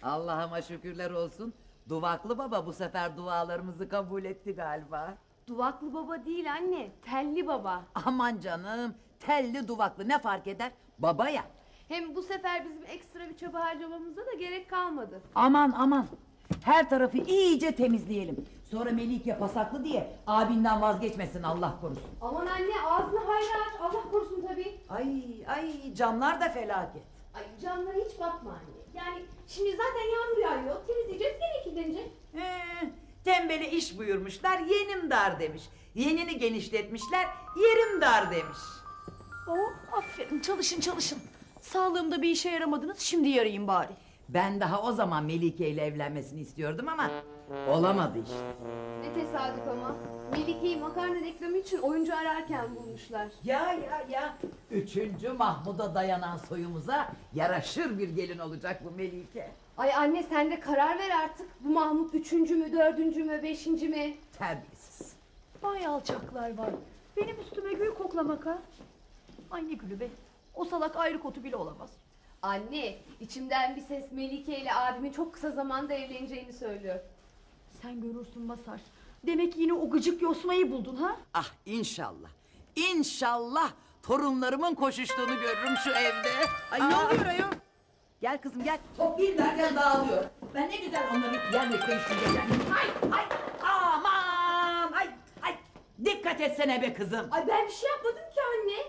Allah'ıma şükürler olsun. Duvaklı baba bu sefer dualarımızı kabul etti galiba. Duvaklı baba değil anne, telli baba. Aman canım, telli duvaklı ne fark eder? Baba ya. Hem bu sefer bizim ekstra bir çaba harcamamıza da gerek kalmadı. Aman aman. Her tarafı iyice temizleyelim. Sonra Melike pasaklı diye abinden vazgeçmesin Allah korusun. Aman anne ağzını hayra aç, Allah korusun tabii. Ay camlar da felaket. Ay camlara hiç bakma anne. Yani şimdi zaten yağmur yağıyor, temizleyeceğiz gene kirlenecek. Tembele iş buyurmuşlar, yenim dar demiş. Yenini genişletmişler, yerim dar demiş. Oh aferin, çalışın çalışın. Sağlığımda bir işe yaramadınız, şimdi yarayayım bari. Ben daha o zaman Melike ile evlenmesini istiyordum ama olamadı işte. Ne tesadüf ama. Melike'yi makarna reklamı için oyuncu ararken bulmuşlar. Ya. 3. Mahmud'a dayanan soyumuza yaraşır bir gelin olacak bu Melike. Ay anne sen de karar ver artık. Bu Mahmut 3. mü, 4. mü, 5. mi? Terbiyesiz. Vay alçaklar var. Benim üstüme gül koklamak ha. Ay ne gülü be. O salak ayrı kotu bile olamaz. Anne, içimden bir ses Melike ile abimin çok kısa zamanda evleneceğini söylüyor. Sen görürsün Masar. Demek yine o gıcık yosmayı buldun ha? Ah inşallah. İnşallah torunlarımın koşuştuğunu görürüm şu evde. Ay ne oluyor ayol? Gel kızım gel. Toplayayım derken dağılıyor. Ben ne güzel onları yerle değiştireceğim. Ay aman ay. Dikkat etsene be kızım. Ay ben bir şey yapmadım ki anne.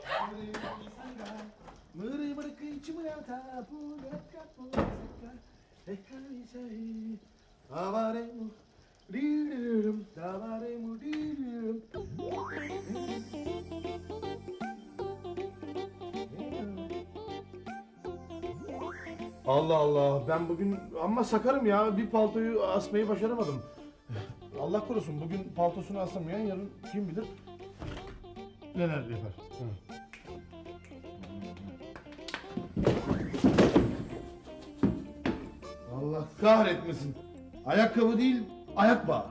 Allah Allah, ben bugün amma sakarım ya, bir paltoyu asmayı başaramadım. Allah korusun, bugün paltosunu asamayan yarın kim bilir neler yapar. Allah kahretmesin. Ayakkabı değil, ayak bağı.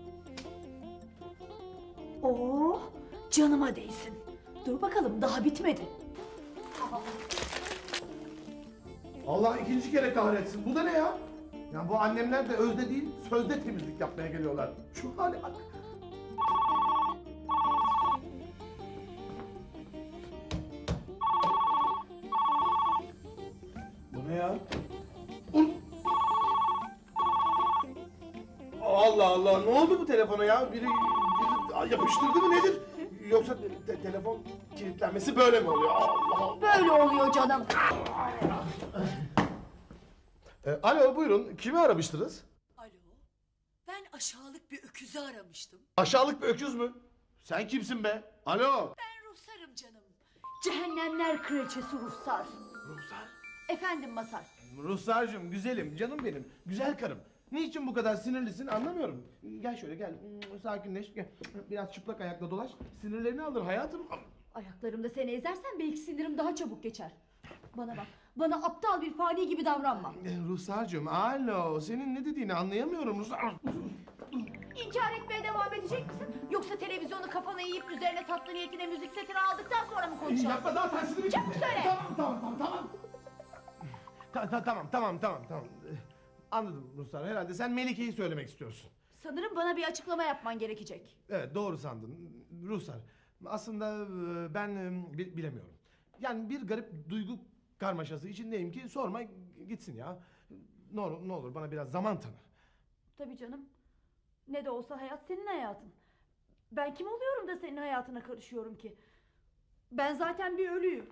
Oh canıma değsin. Dur bakalım daha bitmedi. Allah ikinci kere kahretsin. Bu da ne ya? Ya bu annemler de özde değil, sözde temizlik yapmaya geliyorlar. Şu hale bak. Bu ne ya? Allah Allah, ne oldu bu telefona ya? Biri yapıştırdı mı nedir? Yoksa telefon kilitlenmesi böyle mi oluyor? Allah Allah. Böyle oluyor canım. Alo buyurun, kimi aramıştınız? Alo, ben aşağılık bir öküzü aramıştım. Aşağılık bir öküz mü? Sen kimsin be? Alo. Ben Ruhsar'ım canım. Cehennemler kraliçesi Ruhsar. Ruhsar. Efendim Masar. Ruhsar'cığım, güzelim, canım benim, güzel karım. Niçin bu kadar sinirlisin anlamıyorum. Gel şöyle gel, sakinleş, gel. Biraz çıplak ayakla dolaş, sinirlerini alır hayatım. Ayaklarımda seni ezersen belki sinirim daha çabuk geçer. Bana bak, bana aptal bir fani gibi davranma. Ruhsar'cığım, alo, senin ne dediğini anlayamıyorum Ruhsar. İnkar etmeye devam edecek misin? Yoksa televizyonu kafana eğip üzerine tatlı niyetine müzik setini aldıktan sonra mı konuşalım? Yapma daha tersini. Çabuk söyle. Tamam. Anladım Ruhsar, herhalde sen Melike'yi söylemek istiyorsun. Sanırım bana bir açıklama yapman gerekecek. Evet, doğru sandın Ruhsar. Aslında ben bilemiyorum. Yani bir garip duygu karmaşası içindeyim ki sorma gitsin ya. Ne olur bana biraz zaman tanı. Tabii canım. Ne de olsa hayat senin hayatın. Ben kim oluyorum da senin hayatına karışıyorum ki? Ben zaten bir ölüyüm.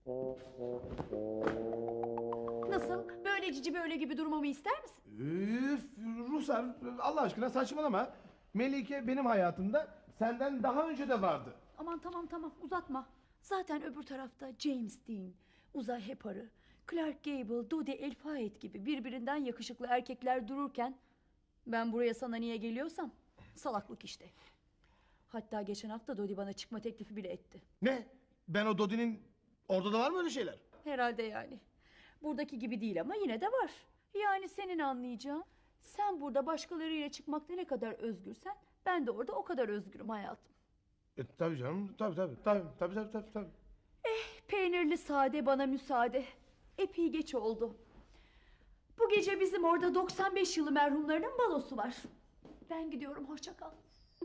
Nasıl? Böyle cici böyle gibi durmamı ister misin? Üf, Ruhsar, Allah aşkına saçmalama. Melike benim hayatımda senden daha önce de vardı. Aman tamam uzatma. Zaten öbür tarafta James Dean, Uzay Heparı, Clark Gable, Dodi El Fayed gibi birbirinden yakışıklı erkekler dururken ben buraya sana niye geliyorsam salaklık işte. Hatta geçen hafta Dodi bana çıkma teklifi bile etti. Ne? Ben o Dodi'nin... Orada da var mı öyle şeyler? Herhalde yani. Buradaki gibi değil ama yine de var. Yani senin anlayacağın, sen burada başkalarıyla çıkmakta ne kadar özgürsen ben de orada o kadar özgürüm hayatım. Tabii canım, tabii. Peynirli sade bana müsaade. Epey geç oldu. Bu gece bizim orada 95 yılı merhumlarının balosu var. Ben gidiyorum, hoşça kal.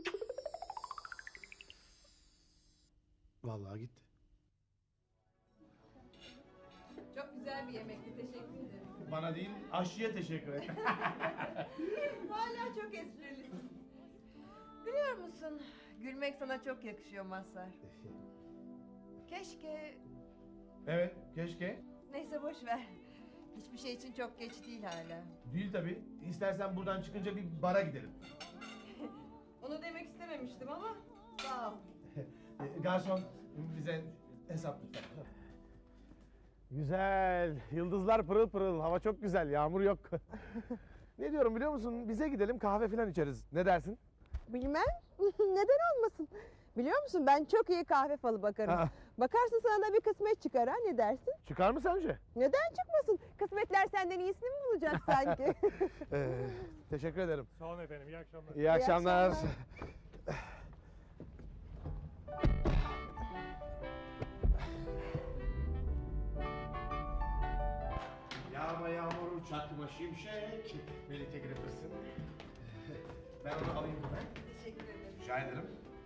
Vallahi gitti. Çok güzel bir yemekti. Teşekkür ederim. Bana değil, aşçıya teşekkür et. Hala çok esprilisin. Biliyor musun? Gülmek sana çok yakışıyor Mazhar. Keşke... Evet, keşke. Neyse boş ver. Hiçbir şey için çok geç değil hala. Değil tabii. İstersen buradan çıkınca bir bara gidelim. Onu demek istememiştim ama sağ ol. Garson, bize hesap lütfen. Güzel. Yıldızlar pırıl pırıl. Hava çok güzel. Yağmur yok. Ne diyorum biliyor musun? Bize gidelim kahve falan içeriz. Ne dersin? Bilmem. Neden olmasın? Biliyor musun ben çok iyi kahve falı bakarım. Ha. Bakarsın sana da bir kısmet çıkar ha, ne dersin? Çıkar mı sence? Neden çıkmasın? Kısmetler senden iyisini mi bulacak sanki? Teşekkür ederim. Sağ olun efendim, iyi akşamlar. İyi akşamlar. akşamlar. Yağma yağmur çakma şimşek. Melike Grippers'ın. Ben onu alayım hemen. Teşekkür ederim. Rica ederim.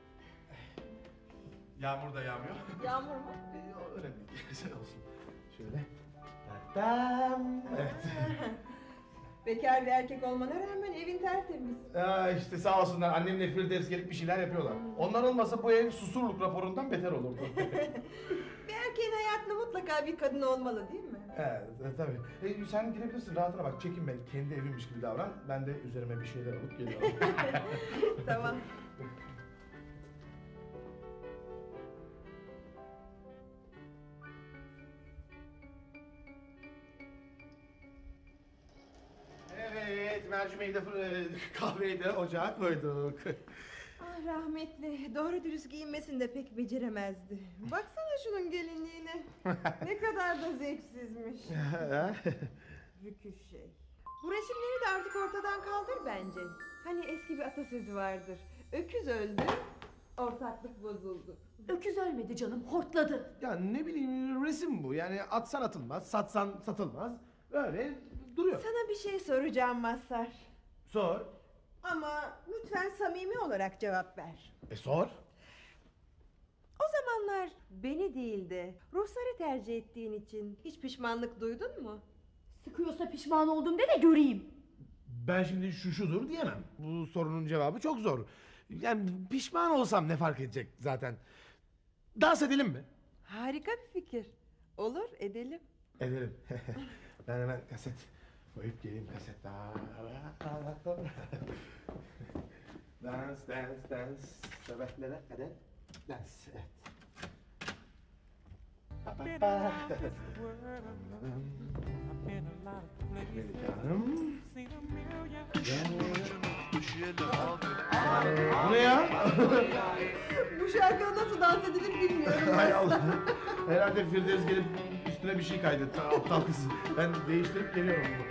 Yağmur da yağmıyor. Yağmur mu? Öyle değil. Güzel olsun. Şöyle. Tam. Evet. Bekar bir erkek olmana rağmen evin tertemiz. İşte sağ olsunlar annemle Firdevs gelip bir şeyler yapıyorlar. Onlar olmasa bu ev susurluk raporundan beter olurdu. Bir erkeğin hayatında mutlaka bir kadın olmalı değil mi? Evet, tabii. Sen girebilirsin, rahatına bak. Çekinme, kendi evimmiş gibi davran. Ben de üzerime bir şeyler alıp geliyorum. Tamam. Evet, mercimeği de kahveyi de ocağa koyduk. Ah rahmetli, doğru dürüst giyinmesini de pek beceremezdi. Baksana şunun gelinliğine. Ne kadar da zevksizmiş. Rüküş şey. Bu resimleri de artık ortadan kaldır bence. Hani eski bir atasözü vardır. Öküz öldü, ortaklık bozuldu. Öküz ölmedi canım, hortladı. Ya ne bileyim, resim bu. Yani atsan atılmaz, satsan satılmaz. Öyle duruyor. Sana bir şey soracağım Mazhar. Sor. Ama lütfen samimi olarak cevap ver. Sor. O zamanlar beni değil de Ruhsar'ı tercih ettiğin için hiç pişmanlık duydun mu? Sıkıyorsa pişman oldum de göreyim. Ben şimdi şudur diyemem. Bu sorunun cevabı çok zor. Yani pişman olsam ne fark edecek zaten? Dans edelim mi? Harika bir fikir. Olur, edelim. Edelim. Ben hemen kaset koyup geleyim, kaset. Dans, dans, dans. Sabahlere kadar dans. Evet. Been a lot of this world, I've been a lot of places, Melike Hanım. seen a million. Bu ne ya? Bu şarkıda nasıl dans edilir bilmiyorum. Hay Allah. Herhalde Firdevs gelip üstüne bir şey kaydetti. Aptal kız. Ben değiştirip geliyorum bunu.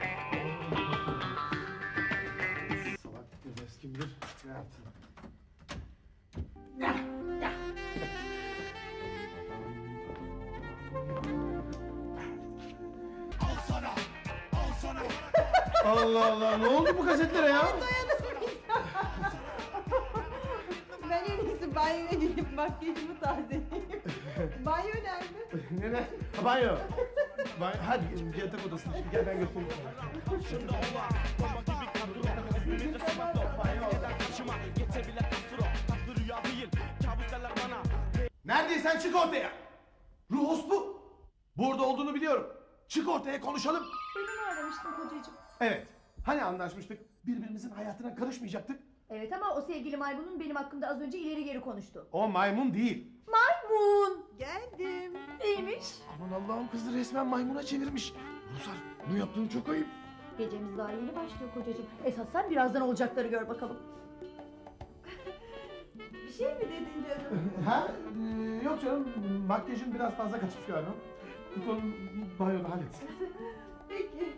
Salak Firdevs kim bilir ne yaptı? Allah Allah, ne oldu bu kasetlere ya? Ben en iyisi banyoya gidip makyajımı tazeleyeyim. Banyo nerede? Ne? Ha, banyo. Hadi yatak odasına. Şimdi gel ben götüreyim sana. Neredeysen çık ortaya. Ruhos bu. Burada olduğunu biliyorum. Çık ortaya, konuşalım. Beni mi aramıştın kocacığım? Evet. Hani anlaşmıştık? Birbirimizin hayatına karışmayacaktık. Evet ama o sevgili maymunun benim hakkımda az önce ileri geri konuştu. O maymun değil. Maymun! Geldim. Neymiş? Aman Allah'ım, kızı resmen maymuna çevirmiş. Rusar, bunu yaptığın çok ayıp. Gecemiz daha yeni başlıyor kocacığım. Esas sen birazdan olacakları gör bakalım. Bir şey mi dedin canım? Ha? Yok canım, makyajın biraz fazla kaçmış galiba. Git onu banyoda halletsin. Peki.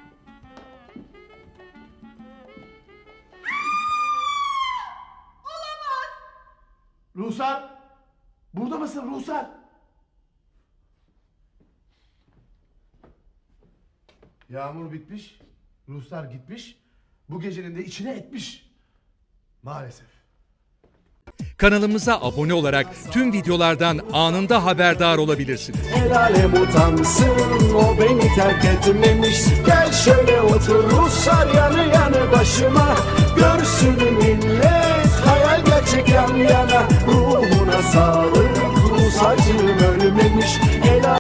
Ruhsar! Burada mısın Ruhsar? Yağmur bitmiş, Ruslar gitmiş, bu gecenin de içine etmiş. Maalesef. Kanalımıza abone olarak tüm videolardan anında haberdar olabilirsiniz. El alem utansın, o beni terk etmemiş. Gel şöyle otur Ruslar yanı yanı başıma. Görsün millet, hayal gerçek yan yana. Ruhuna sağlık, Rus acım ölmemiş.